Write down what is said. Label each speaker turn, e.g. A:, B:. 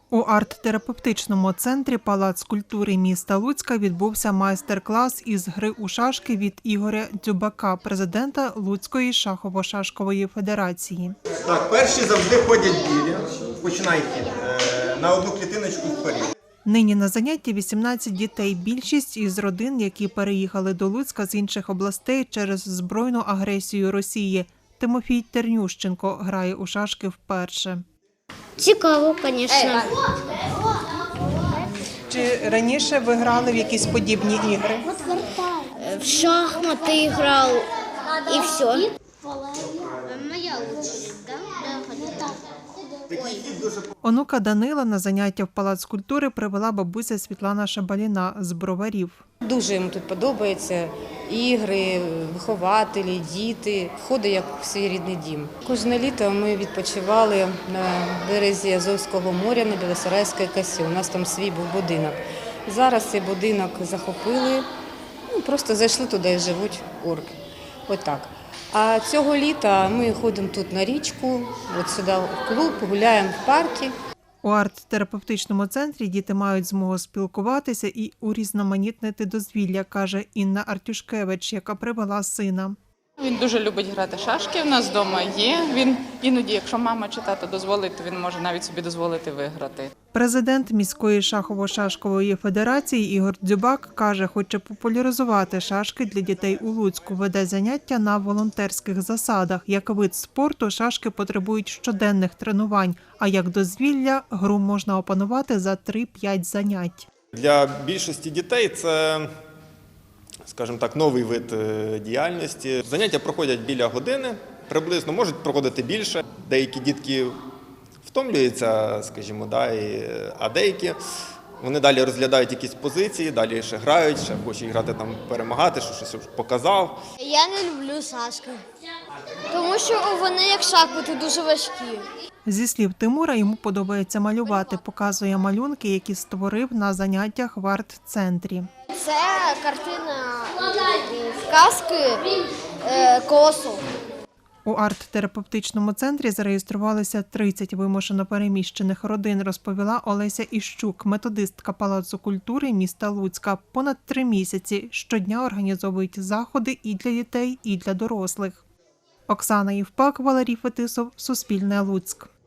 A: У арт-терапевтичному центрі «Палац культури» міста Луцька відбувся майстер-клас із гри у шашки від Ігоря Дзюбака, президента Луцької шахово-шашкової федерації.
B: Так, перші завжди ходять білі. Починай хід. На одну клітиночку вперед.
A: Нині на занятті 18 дітей. Більшість із родин, які переїхали до Луцька з інших областей через збройну агресію Росії. Тимофій Тернющенко грає у шашки вперше.
C: Цікаво, звісно.
A: Чи раніше ви грали в якісь подібні ігри?
C: В шахмати грав і все. Моя очередь, так?
A: Онука Данила на заняття в Палац культури привела бабуся Світлана Шабаліна з Броварів.
D: Дуже йому тут подобається. Ігри, вихователі, діти. Входить як в свій рідний дім. Кожне літо ми відпочивали на березі Азовського моря на Білосарайській косі. У нас там свій був будинок. Зараз цей будинок захопили, просто зайшли туди і живуть орки. Отак. А цього літа ми ходимо тут на річку, от сюди в клуб, гуляємо в парку.
A: У арт-терапевтичному центрі діти мають змогу спілкуватися і урізноманітнити дозвілля, каже Інна Артюшкевич, яка привела сина.
E: Він дуже любить грати шашки, у нас вдома є. Він іноді, якщо мама чи тато дозволить, то він може навіть собі дозволити виграти.
A: Президент міської шахово-шашкової федерації Ігор Дзюбак каже, хоче популяризувати шашки для дітей у Луцьку, веде заняття на волонтерських засадах. Як вид спорту, шашки потребують щоденних тренувань, а як дозвілля гру можна опанувати за 3-5 занять.
B: Для більшості дітей це, скажімо так, новий вид діяльності. Заняття проходять біля години, приблизно, можуть проходити більше. Деякі дітки втомлюються, скажімо, а деякі вони далі розглядають якісь позиції, далі ще грають, ще хочуть грати там, перемагати, що щось показав.
C: Я не люблю шашки, тому що вони як шахмати дуже важкі.
A: Зі слів Тимура, йому подобається малювати, показує малюнки, які створив на заняттях в арт-центрі.
C: Це картина казки «Косу».
A: У арт-терапевтичному центрі зареєструвалися 30 вимушено переміщених родин, розповіла Олеся Іщук, методистка Палацу культури міста Луцька. Понад 3 місяці щодня організовують заходи і для дітей, і для дорослих. Оксана Євпак, Валерій Фетисов, Суспільне, Луцьк.